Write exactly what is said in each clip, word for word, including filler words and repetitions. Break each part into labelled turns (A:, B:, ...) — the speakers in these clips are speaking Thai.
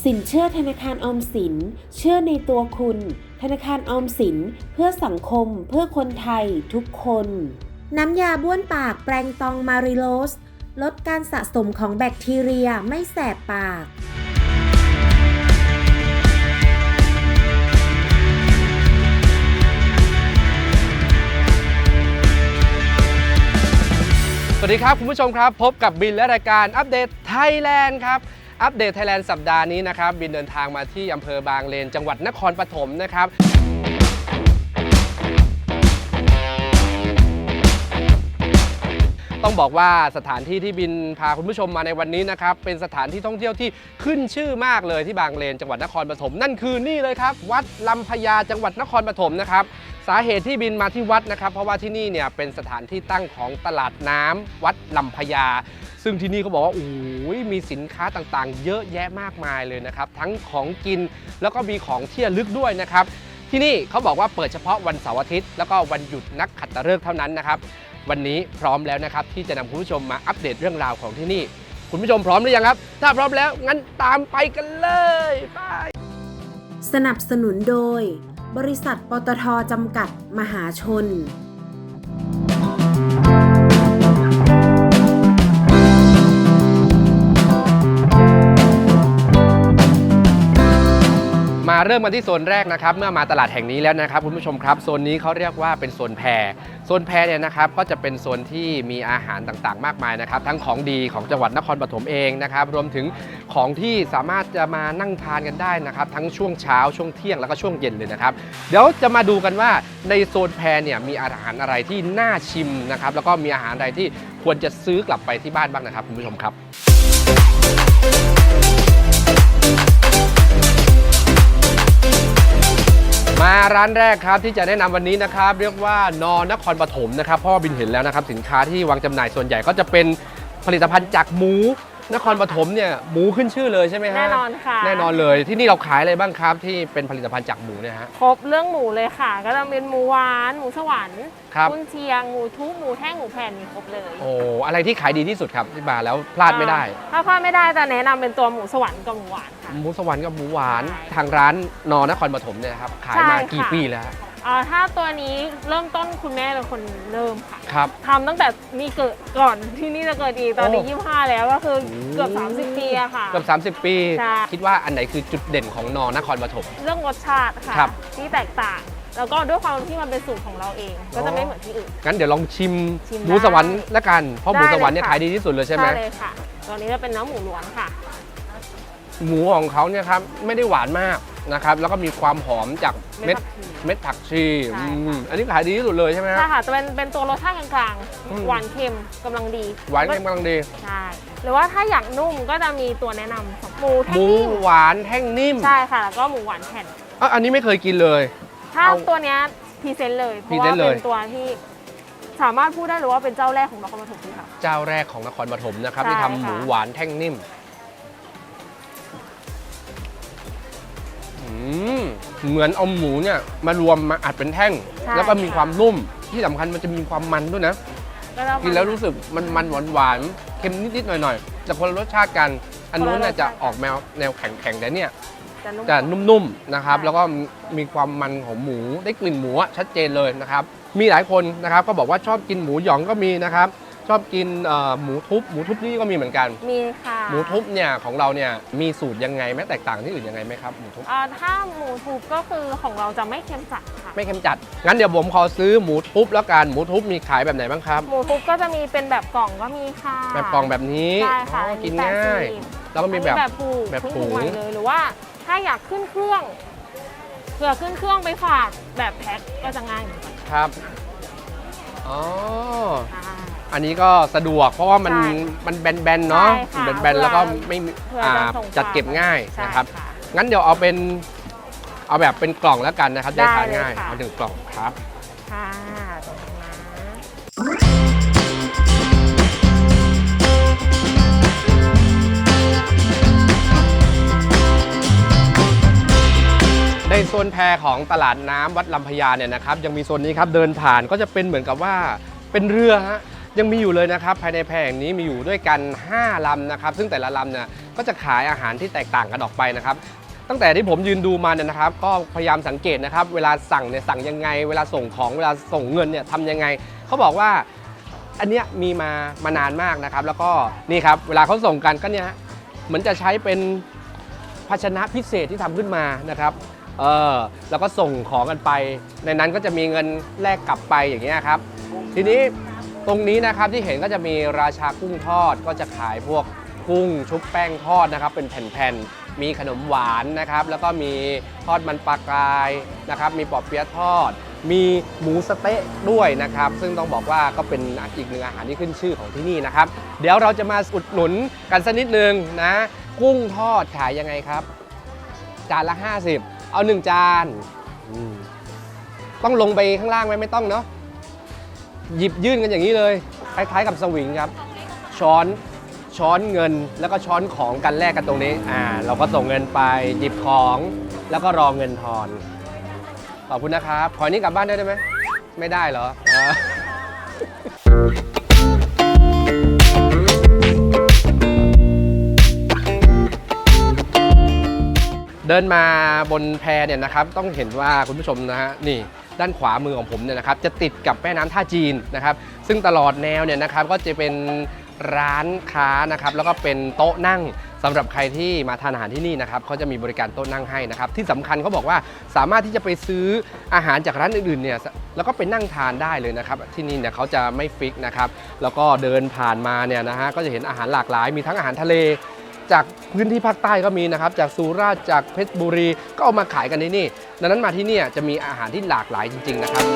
A: สินเชื่อธนาคารออมสินเชื่อในตัวคุณธนาคารออมสินเพื่อสังคมเพื่อคนไทยทุกคนน้ำยาบ้วนปากแปรงตองมาริโลสลดการสะสมของแบคทีเรียไม่แสบปาก
B: สวัสดีครับคุณผู้ชมครับพบกับบินและรายการอัปเดตไทยแลนด์ครับอัปเดตไทยแลนด์สัปดาห์นี้นะครับบินเดินทางมาที่อำเภอบางเลนจังหวัดนครปฐมนะครับต้องบอกว่าสถานที่ที่บินพาคุณผู้ชมมาในวันนี้นะครับเป็นสถานที่ท่องเที่ยวที่ขึ้นชื่อมากเลยที่บางเลนจังหวัดนครปฐมนั่นคือนี่เลยครับวัดลำพญาจังหวัดนครปฐมนะครับสาเหตุที่บินมาที่วัดนะครับเพราะว่าที่นี่เนี่ยเป็นสถานที่ตั้งของตลาดน้ำวัดลำพญาซึ่งที่นี่เขาบอกว่าโอ้ยมีสินค้าต่างๆเยอะแยะมากมายเลยนะครับทั้งของกินแล้วก็มีของที่ระลึกด้วยนะครับที่นี่เขาบอกว่าเปิดเฉพาะวันเสาร์อาทิตย์แล้วก็วันหยุดนักขัตฤกษ์เท่านั้นนะครับวันนี้พร้อมแล้วนะครับที่จะนำคุณผู้ชมมาอัปเดตเรื่องราวของที่นี่คุณผู้ชมพร้อมหรือยังครับถ้าพร้อมแล้วงั้นตามไปกันเลยไป
A: สนับสนุนโดยบริษัทปตท.จำกัดมหาชน
B: มาเริ่มกันที่โซนแรกนะครับเมื่อมาตลาดแห่งนี้แล้วนะครับคุณผู้ชมครับโซนนี้เขาเรียกว่าเป็นโซนแพโซนแพเนี่ยนะครับก็จะเป็นโซนที่มีอาหารต่างๆมากมายนะครับทั้งของดีของจังหวัดนครปฐมเองนะครับรวมถึงของที่สามารถจะมานั่งทานกันได้นะครับทั้งช่วงเช้าช่วงเที่ยงแล้วก็ช่วงเย็นเลยนะครับเดี๋ยวจะมาดูกันว่าในโซนแพเนี่ยมีอาหารอะไรที่น่าชิมนะครับแล้วก็มีอาหารอะไรที่ควรจะซื้อกลับไปที่บ้านบ้างนะครับคุณผู้ชมครับมาร้านแรกครับที่จะแนะนำวันนี้นะครับเรียกว่านนครปฐมนะครับเพราะว่าบินเห็นแล้วนะครับสินค้าที่วางจำหน่ายส่วนใหญ่ก็จะเป็นผลิตภัณฑ์จากหมูนครปฐมเนี่ยหมูขึ้นชื่อเลยใช่ไหมฮะ
C: แน่นอนค่ะ
B: แน่นอนเลยที่นี่เราขายอะไรบ้างครับที่เป็นผลิตภัณฑ์จากหมูเนี่ยฮะ
C: ครบเรื่องหมูเลยค่ะก็จะเป็นหมูหวานหมูสวรรค์
B: ครับ
C: กุนเชียงหมูทุบหมูแท่งหมูแผ่นมีครบเลย
B: โอ้อะไรที่ขายดีที่สุดครับที่มาแล้วพลาดไม่ได้
C: ถ้าพลาดไม่ได้จะแนะนำเป็นตัวหมูสวรรค์กับหมูหวานค่ะ
B: หมูสวรรค์กับหมูหวานทางร้านนนครปฐมเนี่ยครับขายมากี่ปีแล้ว
C: อ่าถ้าตัวนี้เริ่มต้นคุณแม่เป็นคนเริ่มค่ะ
B: ครับ
C: ทำตั้งแต่มีเกิดก่อนที่นี่จะเกิดอีกตอนนี้ยี่สิบห้าแล้วก็คือเกือบสามสิบปีอะค่ะ
B: เกือบสามสิบปีคิดว่าอันไหนคือจุดเด่นของนนครปฐม
C: เรื่องรสชาติค่ะที่แตกต่างแล้วก็ด้วยความที่มันเป็นสูตรของเราเองก็จะไม่เหมือนที่อื่น
B: งั้นเดี๋ยวลองชิมหมูสวรรค์ละกันเพราะหมูสวรรค์เนี่ยขายดีที่สุดเลยใช่ไหม
C: ใช่เลยค่ะตอนนี้จะเป็นเนื้อหมูล้วนค่ะ
B: หมูของเขาเนี่ยครับไม่ได้หวานมากนะครับแล้วก็มีความหอมจากเม็ดเม็ดผักชีอันนี้ขายดีที่สุดเลยใช่ไหม
C: ใช่ค่ะจะเป็นเป็นตัวรสชาติกลางๆหวานเค็มกำลังดี
B: หวานเค็มกำลังดี
C: ใช่หรือว่าถ้าอยากนุ่มก็จะมีตัวแนะนำหมูแท่
B: งนิ่มหมูหวานแท่งนิ่ม
C: ใช่ค่ะแล้วก็หมูหวานแผ่น
B: อ๋ออันนี้ไม่เคยกินเลย
C: ถ้าตัวเนี้ยพรีเซนต์เลยเพราะว่าเป็นตัวที่สามารถพูดได้เลยว่าเป็นเจ้าแรกของนครปฐมค่ะ
B: เจ้าแรกของนครปฐมนะครับที่ทำหมูหวานแท่งนิ่มเหมือนเอาหมูเนี่ยมารวมมาอัดเป็นแท่งแล้วก็มีความนุ่มที่สำคัญมันจะมีความมันด้วยนะกินแล้วรู้สึกมันมันหวานหวานเค็มนิดๆหน่อยๆแต่คนละรสชาติกันอันนู้นเนี่ยจะออกแนวแนวแข็งๆแต่เนี่ยจะนุ่มๆนะครับแล้วก็มีความมันของหมูได้กลิ่นหมูชัดเจนเลยนะครับมีหลายคนนะครับก็บอกว่าชอบกินหมูหยองก็มีนะครับชอบกินหมูทุบหมูทุบนี่ก็มีเหมือนกัน
C: มีค่ะ
B: หมูทุบเนี่ยของเราเนี่ยมีสูตรยังไงไหมแตกต่างที่อื่นยังไงไหมครับหมูทุบ
C: ถ้าหมูทุบก็คือของเราจะไม่เค็มจัดค่ะ
B: ไม่เค็มจัดงั้นเดี๋ยวผมขอซื้อหมูทุบแล้วกันหมูทุบมีขายแบบไหนบ้างครับ
C: หมูทุบก็จะมีเป็นแบบกล่องก็มีค่ะ
B: แบบกล่องแบบนี้
C: ใช่ค่ะ
B: กินง่ายแล้วก็มีแบบ
C: แบบผูกแบบผูกเลยหรือว่าถ้าอยากขึ้นเครื่องเผื่อขึ้นเครื่องไปฝากแบบแพ็คก็จะง่ายเหมือนกัน
B: ครับอ๋ออันนี้ก็สะดวกเพราะว่ามันมันแบนๆเนาะแบนๆแล้วก็ไม่จัดเก็บง่ายนะครับงั้นเดี๋ยวเอาเป็นเอาแบบเป็นกล่องแล้วกันนะครับได้ทานง่ายเอาหนึ่งกล่องครับ
C: ค่ะ
B: ในโซนแพของตลาดน้ำวัดลำพญาเนี่ยนะครับยังมีโซนนี้ครับเดินผ่านก็จะเป็นเหมือนกับว่าเป็นเรือฮะยังมีอยู่เลยนะครับภายในแพแห่งนี้มีอยู่ด้วยกันห้าลำนะครับซึ่งแต่ละลำเนี่ยก็จะขายอาหารที่แตกต่างกันออกไปนะครับตั้งแต่ที่ผมยืนดูมาเนี่ยนะครับก็พยายามสังเกตนะครับเวลาสั่งเนี่ยสั่งยังไงเวลาส่งของเวลาส่งเงินเนี่ยทำยังไงเขาบอกว่าอันเนี้ยมีมามานานมากนะครับแล้วก็นี่ครับเวลาเขาส่งกันก็เนี่ยเหมือนจะใช้เป็นภาชนะพิเศษที่ทำขึ้นมานะครับเออแล้วก็ส่งของกันไปในนั้นก็จะมีเงินแลกกลับไปอย่างเงี้ยครับทีนี้ตรงนี้นะครับที่เห็นก็จะมีราชากุ้งทอดก็จะขายพวกกุ้งชุบแป้งทอดนะครับเป็นแผ่นๆมีขนมหวานนะครับแล้วก็มีทอดมันปลากรายนะครับมีปอเปี๊ยะทอดมีหมูสะเต๊ะด้วยนะครับซึ่งต้องบอกว่าก็เป็นอีกหนึ่งอาหารที่ขึ้นชื่อของที่นี่นะครับเดี๋ยวเราจะมาอุดหนุนกันสักนิดนึงนะกุ้งทอดขายยังไงครับจานละห้าสิบเอาหนึ่งจานต้องลงไปข้างล่างไหมไม่ต้องเนาะหยิบยื่นกันอย่างนี้เลยคล้ายๆกับสวิงครับช้อนช้อนเงินแล้วก็ช้อนของกันแลกกันตรงนี้อ่าเราก็ส่งเงินไปหยิบของแล้วก็รอเงินทอนขอบคุณนะครับขอนี้กลับบ้านได้ไหมไม่ได้เหรอเดินมาบนแพเนี่ยนะครับต้องเห็นว่าคุณผู้ชมนะฮะนี่ด้านขวามือของผมเนี่ยนะครับจะติดกับแม่น้ำท่าจีนนะครับซึ่งตลอดแนวเนี่ยนะครับก็จะเป็นร้านค้านะครับแล้วก็เป็นโต๊ะนั่งสำหรับใครที่มาทานอาหารที่นี่นะครับเขาจะมีบริการโต๊ะนั่งให้นะครับที่สำคัญเขาบอกว่าสามารถที่จะไปซื้ออาหารจากร้านอื่นๆเนี่ยแล้วก็ไปนั่งทานได้เลยนะครับที่นี่เนี่ยเขาจะไม่ฟิกนะครับแล้วก็เดินผ่านมาเนี่ยนะฮะก็จะเห็นอาหารหลากหลายมีทั้งอาหารทะเลจากพื้นที่ภาคใต้ก็มีนะครับจากสุราษฎร์จากเพชรบุรีก็เอามาขายกันที่นี่ดังนั้นมาที่นี่จะมีอาหารที่หลากหลายจริงๆนะครับ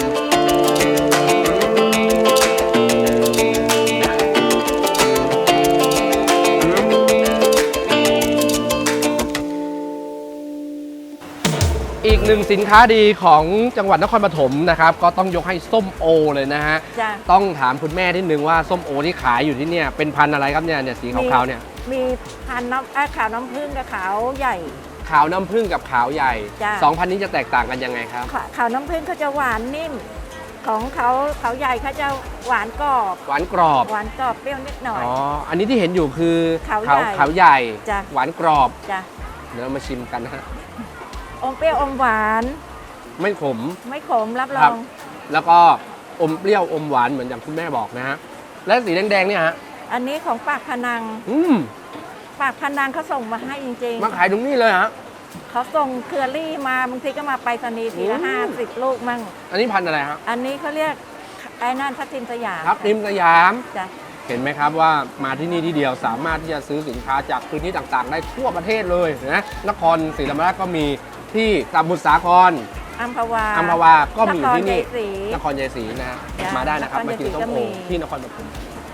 B: อีกหนึ่งสินค้าดีของจังหวัดนครปฐมนะครับก็ต้องยกให้ส้มโอเลยนะฮะต้องถามคุณแม่นิดนึงว่าส้มโอที่ขายอยู่ที่เนี่ยเป็นพันธุ์อะไรครับเนี่ยเนี่ยสีขาวๆเนี่ย
D: มีพันธุ์น้ำขาวน้ำผึ้งกับขาวใหญ่
B: ขาวน้ำผึ้งกับขาวใหญ่สองพันธุ์นี้จะแตกต่างกันยังไงครับ
D: ขาวน้ำผึ้งเขาจะหวานนิ่มของเขาขาวใหญ่เขาจะหวานกรอบ
B: หวานกรอบ
D: หวานกรอบเปรี้ยวนิดหน่อย
B: อ๋ออันนี้ที่เห็นอยู่คือ
D: ขาวใหญ่
B: ขาวใหญ่หวานกรอบ
D: จ้ะ
B: เดี๋ยวเรามาชิมกันนะฮะ
D: อมเปรี้ยวอมหวาน
B: ไม่ขม
D: ไม่ขมรับรอง
B: แล้วก็อมเปรี้ยวอมหวานเหมือนอย่างคุณแม่บอกนะฮะและสีแดงๆเนี่ยฮะ
D: อันนี้ของปากพนัง
B: อืม
D: ปากพนังเขาส่งมาให้จริง
B: ๆมาขายตรงนี้เลยฮะ
D: เขาส่งเคอรี่มาบางทีก็มาไปรษณีย์ทีละห้าสิบลูกมั่ง
B: อันนี้พันธุ์อะไรครับ
D: อันนี้เขาเรียกไอ้นั่นทับทิมสยาม
B: ทับทิมสยาม
D: จ้ะ
B: เห็นไหมครับว่ามาที่นี่ที่เดียวสามารถที่จะซื้อสินค้าจากพื้นที่ต่างๆได้ทั่วประเทศเลยนะนครศรีธรรมราชก็มีที่สมุทรสาคร
D: อัมพวา
B: อัมพวาก็มีอยู่ที่นี่นครชัยศรีนะมาได้นะครับมากินส้มโอที่นครปฐม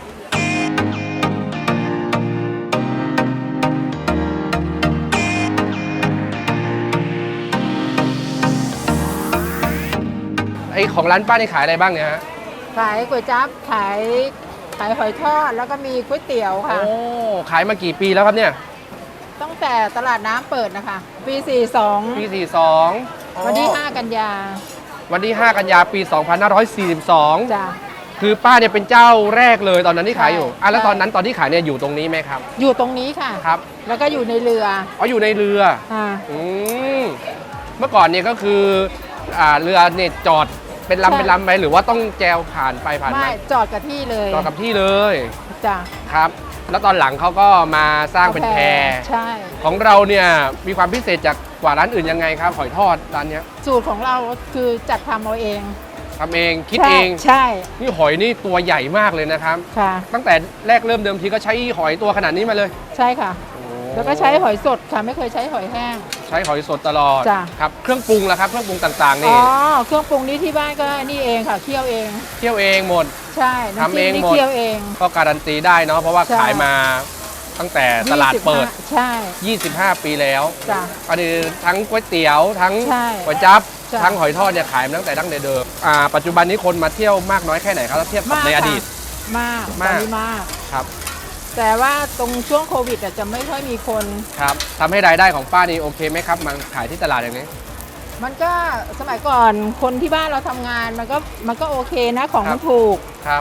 B: ไอของร้านป้านี่ขายอะไรบ้างเนี่ยฮะ
E: ขายก๋วยจั๊บขายขายหอยทอดแล้วก็มีก๋วยเตี๋ยวค่ะ
B: โอ้ขายมากี่ปีแล้วครับเนี่ย
E: ตั้งแต่ตลาดน้ำเปิดนะคะปีสี่สิบสอง
B: ปีสี่สิบสอง
E: วันที่ห้ากันยา
B: วันที่ห้ากันยาปีสองพันห้าร้อยสี่สิบสอง
E: จ้ะ
B: คือป้าเนี่ยเป็นเจ้าแรกเลยตอนนั้นที่ขายอยู่อ่ะแล้วตอนนั้นตอนที่ขายเนี่ยอยู่ตรงนี้ไหมครับ
E: อยู่ตรงนี้ค่ะ
B: ครับ
E: แล้วก็อยู่ในเรือ
B: อ๋ออยู่ในเรือ
E: อ่า
B: อืมเมื่อก่อนเนี่ยก็คืออ่าเรือเนี่ยจอดเป็นลำเป็นลำไหมหรือว่าต้องแจวผ่านไปผ่านมา
E: ไม่จอดกับที่เลย
B: จอดกับที่เลย
E: จ้ะ
B: ครับแล้วตอนหลังเขาก็มาสร้างเป็นแพ
E: ใช่
B: ของเราเนี่ยมีความพิเศษจากกว่าร้านอื่นยังไงครับหอยทอดร้านนี้
E: สูตรของเราคือจัดทำเอาเอง
B: ทำเองคิดเอง
E: ใช่
B: นี่หอยนี่ตัวใหญ่มากเลยนะครับ
E: ค่ะ
B: ตั้งแต่แรกเริ่มเดิมทีก็ใช้หอยตัวขนาดนี้มาเลย
E: ใช่ค่ะแล้วก็ใช้หอยสดค่ะไม่เคยใช้หอยแห้ง
B: ใช้หอยสดตลอด
E: จ้ะ
B: ครับเครื่องปรุงล่ะครับเครื่องปรุงต่างๆนี่
E: อ๋อเครื่องปรุงนี้ที่บ้านก็นี่เองค่ะเคี่ยวเอง
B: เคี่ยวเองหมด
E: ใช่
B: ทำเองหมด
E: เคี่ยวเอง
B: ก็การันตีได้เนาะเพราะว่าขายมาตั้งแต่ตลาดเปิด
E: ใช่
B: ยี่สิบห้าปีแล้ว
E: จ้ะ
B: อันนี้ทั้งก๋วยเตี๋ยวทั้งก๋วยจั๊บทั้งหอยทอดเนี่ยขายมาตั้งแต่ดั้งเดิมอ่าปัจจุบันนี้คนมาเที่ยวมากน้อยแค่ไหนครับถ้าเทียบกับในอดีต
E: มากมากมาก
B: ครับ
E: แต่ว่าตรงช่วงโควิดจะไม่ค่อยมีคน
B: ครับทำให้รายได้ของป้านี่โอเคไหมครับมาขายที่ตลาดอย่างนี้
E: มันก็สมัยก่อนคนที่บ้านเราทำงานมันก็มันก็โอเคนะของมันถูก
B: ครับ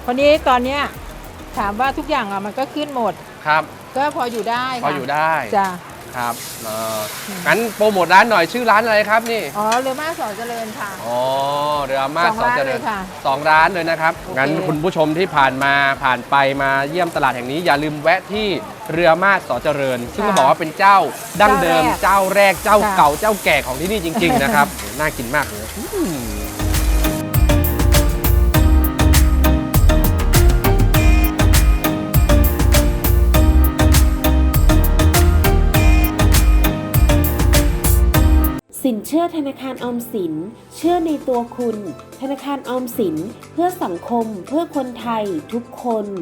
E: คนนี้ตอนเนี้ยถามว่าทุกอย่างอ่ะมันก็ขึ้นหมด
B: ครับ
E: ก็พออยู่ได้
B: พอ
E: ค่ะ
B: อยู่ได้
E: จ้ะ
B: ครับเอองั้นโปรโมทร้านหน่อยชื่อร้านอะไรครับนี่
E: อ๋อเรือมาสอนเจริญค่ะ
B: อ๋อเรือมาส
E: สอง
B: สอน
E: ร้าน
B: เจริ
E: เล
B: ญ
E: ยค่ะ
B: สองร้านเลยนะครับ
E: โอเค
B: งั้นคุณผู้ชมที่ผ่านมาผ่านไปมาเยี่ยมตลาดแห่งนี้อย่าลืมแวะที่เรือมาสสอนเจริญ ซึ่งต้องบอกว่าเป็นเจ้าดั้งเดิมเจ้าแรกเจ้าเก่าเจ้าแก่ของที่นี่จริง ๆ นะครับ น่ากินมากเลยอืม
A: สินเชื่อธนาคารออมสินเชื่อในตัวคุณ ธนาคารออมสินเพื่อสังคมเพื่อคนไทยทุกคน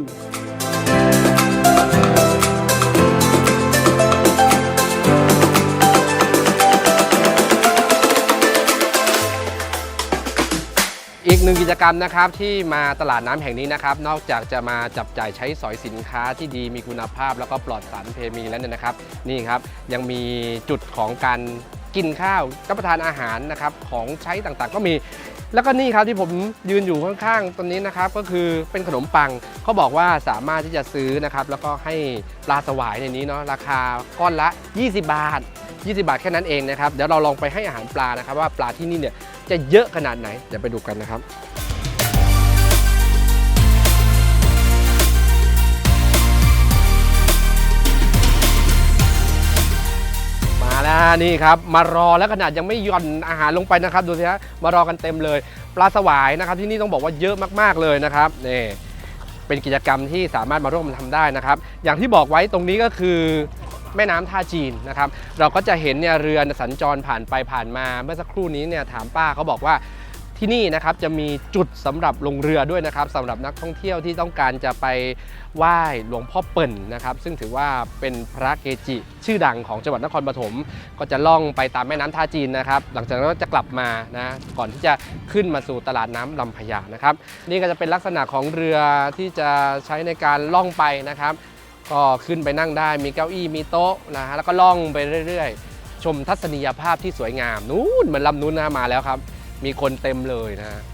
B: อีกหนึ่งกิจกรรมนะครับที่มาตลาดน้ำแห่งนี้นะครับนอกจากจะมาจับจ่ายใช้สอยสินค้าที่ดีมีคุณภาพแล้วก็ปลอดสารเคมีแล้วเนี่ยนะครับนี่ครับยังมีจุดของการกินข้าวรับประทานอาหารนะครับของใช้ต่างๆก็มีแล้วก็นี่ครับที่ผมยืนอยู่ข้างๆตรงนี้นะครับก็คือเป็นขนมปังเขาบอกว่าสามารถที่จะซื้อนะครับแล้วก็ให้ปลาสวายในนี้เนาะราคาก้อนละยี่สิบบาทยี่สิบบาทแค่นั้นเองนะครับเดี๋ยวเราลองไปให้อาหารปลานะครับว่าปลาที่นี่เนี่ยจะเยอะขนาดไหนเดี๋ยวไปดูกันนะครับมาแล้วนี่ครับมารอแล้วขนาดยังไม่หย่อนอาหารลงไปนะครับดูสิฮะมารอกันเต็มเลยปลาสวายนะครับที่นี่ต้องบอกว่าเยอะมากๆเลยนะครับนี่เป็นกิจกรรมที่สามารถมาร่วมทำได้นะครับอย่างที่บอกไว้ตรงนี้ก็คือแม่น้ำท่าจีนนะครับเราก็จะเห็นเนี่ยเรือสัญจรผ่านไปผ่านมาเมื่อสักครู่นี้เนี่ยถามป้าเขาบอกว่าที่นี่นะครับจะมีจุดสำหรับลงเรือด้วยนะครับสำหรับนักท่องเที่ยวที่ต้องการจะไปไหว้หลวงพ่อเปิ่นนะครับซึ่งถือว่าเป็นพระเกจิชื่อดังของจังหวัดนครปฐมก็จะล่องไปตามแม่น้ำท่าจีนนะครับหลังจากนั้นก็จะกลับมานะก่อนที่จะขึ้นมาสู่ตลาดน้ำลำพญานะครับนี่ก็จะเป็นลักษณะของเรือที่จะใช้ในการล่องไปนะครับก็ขึ้นไปนั่งได้มีเก้าอี้มีโต๊ะนะฮะแล้วก็ล่องไปเรื่อยๆชมทัศนียภาพที่สวยงามนู้นเหมือนลำนู้นนะมาแล้วครับมีคนเต็มเลยนะฮะ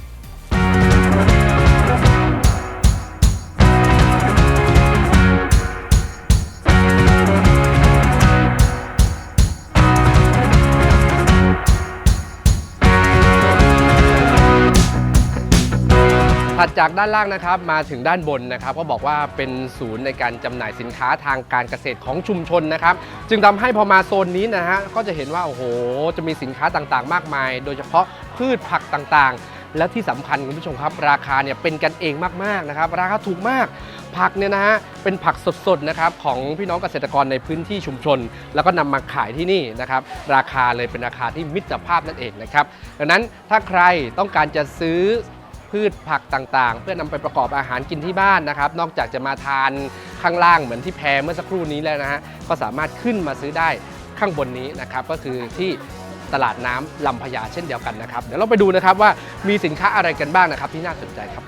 B: ถัดจากด้านล่างนะครับมาถึงด้านบนนะครับก็บอกว่าเป็นศูนย์ในการจำหน่ายสินค้าทางการเกษตรของชุมชนนะครับจึงทำให้พอมาโซนนี้นะฮะก็จะเห็นว่าโอ้โหจะมีสินค้าต่างๆมากมายโดยเฉพาะพืชผักต่างๆและที่สำคัญคุณผู้ชมครับราคาเนี่ยเป็นกันเองมากๆนะครับราคาถูกมากผักเนี่ยนะฮะเป็นผักสดๆนะครับของพี่น้องเกษตรกรในพื้นที่ชุมชนแล้วก็นำมาขายที่นี่นะครับราคาเลยเป็นราคาที่มิตรภาพนั่นเองนะครับดังนั้นถ้าใครต้องการจะซื้อพืชผักต่างๆเพื่อนำไปประกอบอาหารกินที่บ้านนะครับนอกจากจะมาทานข้างล่างเหมือนที่แพเมื่อสักครู่นี้แล้วนะฮะก็สามารถขึ้นมาซื้อได้ข้างบนนี้นะครับก็คือที่ตลาดน้ำลำพญาเช่นเดียวกันนะครับเดี๋ยวเราไปดูนะครับว่ามีสินค้าอะไรกันบ้างนะครับที่น่าสนใจครับ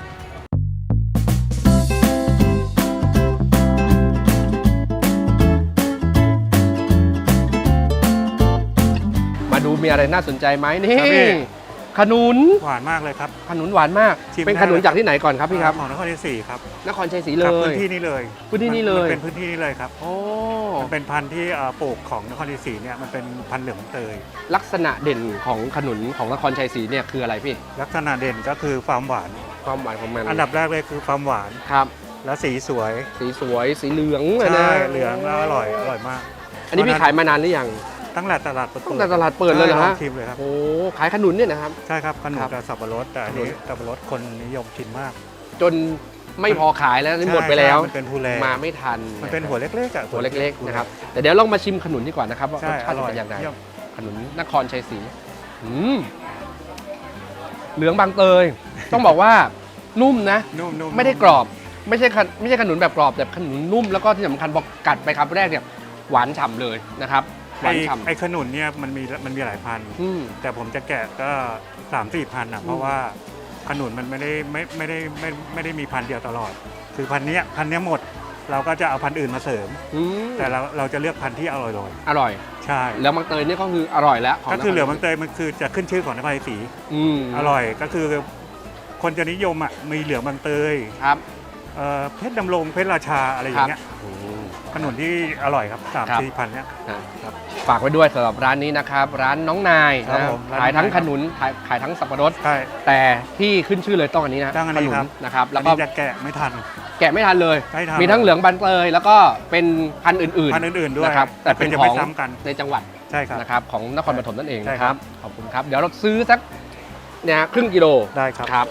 B: มาดูมีอะไรน่าสนใจไหมนี่ขนุน
F: หวานมากเลยครับ
B: ขนุนหวานมาก
F: ชิม
B: เป็น
F: ได้
B: ขนุนจากที่ไหนก่อนครับพี่ครับ
F: ของนครศรีศรีครับ
B: นครชัยศรีเล
F: ครับ
B: ย
F: พื้นที่นี้เลย
B: พื้นที่นี้เลย
F: มัเป็นพื้นที่นี้เลยครับ
B: โอ้
F: มันเป็นพันธุ์ที่เอ่อปลูกของนครศรีศรีเนี่ยมันเป็นพันธุ์เหลืองเตย
B: ลักษณะเด่นของขนุนของนครชัยศรีเนี่ยคืออะไรพี่
F: ลักษณะเด่นก็คือความหวาน
B: ความหวานของมัน
F: อันดับแรกเลยคือความหวาน
B: ครับ
F: และสีสวย
B: สีสวยสีเหลืองเลยนะ
F: ใช่เหลืองแล้วอร่อยอร่อยมาก
B: อันนี้พี่ขายมานานหรือยัง
F: ตั้งแต่ตลาดเปิด
B: ตั้งแต่ตลาดเปิดเลยเหรอ
F: ใช่
B: ฮะ
F: ลองชิมเลยครับ
B: โอ้ขายขนุนเนี่ยนะครับ
F: ใช่ครับขนม
B: ครับ
F: กับสับปะรดแต่อันนี้สับปะรดคนนิยมกินมาก
B: จนไม่พอขายแล้วนี่หมดไปแล้ว
F: ใช่มันเป็นภูแล
B: มาไม่ทัน
F: มันเป็นหัวเล็กๆอ่ะ
B: หัวเล็กๆนะครับแต่เดี๋ยวลองมาชิมขนุนดีกว่านะครับว่าร
F: ใช่
B: สชา
F: อ
B: ติจะ
F: ร่อย
B: เป็นยังไง
F: เยี่ยม
B: ขนุนนครชัยศรีอืมเหลืองบางเตย ต้องบอกว่านุ่มนะ
F: นุ่มๆ
B: ไม่ได้กรอบไม่ใช่ขนไม่ใช่ขนุนแบบกรอบแต่ขนุนนุ่มแล้วก็ที่สำคัญพอกัดไปครับแรกเนี่ยหวานฉ่ำเลยนะครับหวาน
F: ไอ้
B: ฉ่ำ
F: ไอ้ขนุนเนี่ยมันมีมันมีหลายพันธุ์
B: อืม
F: แต่ผมจะแกะก็สามสี่พันอ่ะเพราะว่าขนุนมันไม่ได้ไม่ไม่ได้ไม่ไม่ได้มีพันธุ์เดียวตลอด คือพันธุ์เนี้ยพันธุ์เนี้ยหมด เราก็จะเอาพันธุ์อื่นมาเสริม
B: อืม
F: แต่เราเราจะเลือกพันธุ์ที่อร่อยเลย
B: อร่อย
F: ใช่
B: แล้วบางเตยเนี่ยก็คืออร่อยแล้วขง
F: ก็คือเหลือง
B: นร
F: บางเตยมันคือจะขึ้นชื่อของนครศรี
B: อืม
F: อร่อยก็คือคคนจะนิยมอ่ะมีเหลืองบางเตย
B: ครับ
F: เอ่อเพชรดำรงเพชรราชาอะไรอย่างเงี้ย
B: อืม
F: ขนุนที่อร่อยครับสาม
B: ครับ
F: สี่พันเนี้ย
B: ครับฝากไว้ด้วยสำหรับร้านนี้นะครับ ร้านน้องนาย
F: ครับ
B: นะ
F: ผมร้าน
B: ขายทั้ง
F: น้องนาย
B: ขนุนขายขายทั้งสับปะรด
F: ใช่
B: แต่ที่ขึ้นชื่อเลยต้องอันนี้นะ
F: ต้องอันนี้
B: ขนุ
F: ครั
B: น
F: บ
B: นะครับ
F: แล้
B: แล้ว ว
F: ก็
B: ก็
F: จะแกะไม่ทัน
B: แกะไม่ทันเลย
F: ไม่ทัน
B: มีทั้งเหลืองบันเตยแล้วก็เป็นพันธุ์อื่น
F: พันธุ์อื่นๆด้วย
B: นะครับแต่เป็น
F: จะ
B: ข
F: ไม่
B: อง
F: ซ้ำกัน
B: ในจังหวัด
F: ใช่ครับ
B: นะครับของนครปฐมนั่นเอง
F: ใช่
B: นะค
F: ครั
B: รับบ ขอบคุณครับ เดี๋ยวเราซื้อสักเนี่ยครึ่งกิโล
F: ได้ครับ
B: ครับ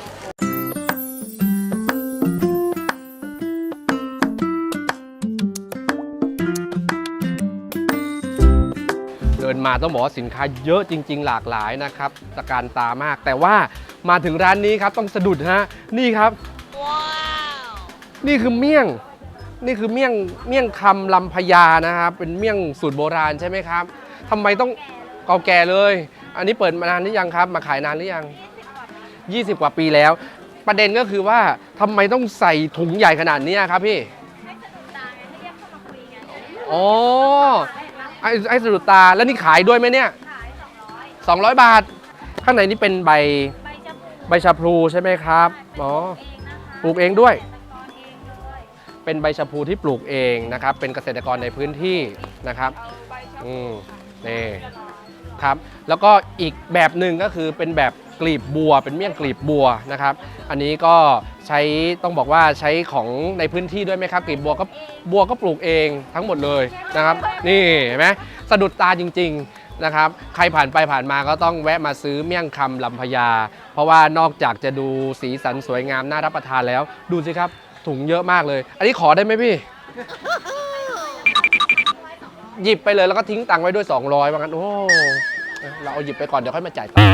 B: เดินมาต้องบอกว่าสินค้าเยอะจริง ๆ หลากหลายนะครับตะการตามาก แต่ว่ามาถึงร้านนี้ครับต้องสะดุดฮะนี่ครับ นี่คือเมี่ยง นี่คือเมี่ยงเมี่ยงคำลำพญานะครับ เป็นเมี่ยงสูตรโบราณใช่ไหมครับทำไมต้องเก่าแก่เลย อันนี้เปิดมานานหรือยังครับ มาขายนานหรือยัง ยี่สิบ กว่าปีแล้ว ประเด็นก็คือว่าทำไมต้องใส่ถุงใหญ่ขนาดนี้ครับพี่อ๋อไอ้ไอ้สะดุดตาแล้วนี่ขายด้วยไหมเนี่ยสองร้อยบาท ข้างในนี่เป็นใบใบชะพลูใช่ไหมครับอ๋อปลูกเองด้วย เป็นใบชะพลูที่ปลูกเองนะครับ เป็นเกษตรกรในพื้นที่นะครับอืมนี่ครับ แล้วก็อีกแบบหนึ่งก็คือเป็นแบบกลีบบัว เป็นเมี่ยงกลีบบัวนะครับ อันนี้ก็ใช้ต้องบอกว่าใช้ของในพื้นที่ด้วยไหมครับ กลีบบัวก็บัวก็ปลูกเองทั้งหมดเลยนะครับ นี่เห็นไหมสะดุดตาจริงๆนะครับ ใครผ่านไปผ่านมาก็ต้องแวะมาซื้อเมี่ยงคำลำพญา เพราะว่านอกจากจะดูสีสันสวยงามน่ารับประทานแล้ว ดูสิครับถุงเยอะมากเลย อันนี้ขอได้ไหมพี่ หยิบไปเลยแล้วก็ทิ้งตังค์ไว้ด้วยสองร้อยว่างั้นโอ้เราเอาหยิบไปก่อนเดี๋ยวค่อยมาจ่ายตังค์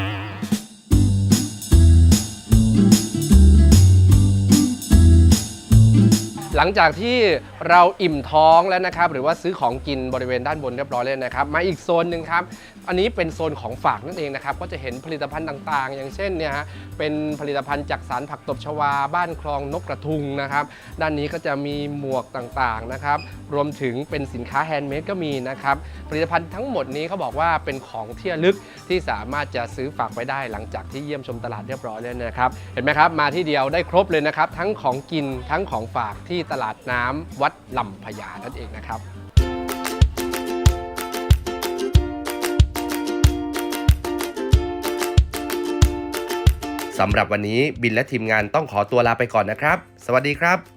B: หลังจากที่เราอิ่มท้องแล้วนะครับหรือว่าซื้อของกินบริเวณด้านบนเรียบร้อยแล้วนะครับมาอีกโซนหนึ่งครับอันนี้เป็นโซนของฝากนั่นเองนะครับก็จะเห็นผลิตภัณฑ์ต่างๆ อย่างเช่นเนี่ยฮะเป็นผลิตภัณฑ์จากสารผักตบชวาบ้านคลองนกกระทุงนะครับด้านนี้ก็จะมีหมวกต่างๆนะครับรวมถึงเป็นสินค้าแฮนด์เมดก็มีนะครับผลิตภัณฑ์ทั้งหมดนี้เขาบอกว่าเป็นของที่ระลึกที่สามารถจะซื้อฝากไว้ได้หลังจากที่เยี่ยมชมตลาดเรียบร้อยแล้วนะครับเห็นไหมครับมาที่เดียวได้ครบเลยนะครับทั้งของกินทั้งของฝากที่ตลาดน้ำวัดลำพญานั่นเองนะครับสำหรับวันนี้บินและทีมงานต้องขอตัวลาไปก่อนนะครับสวัสดีครับ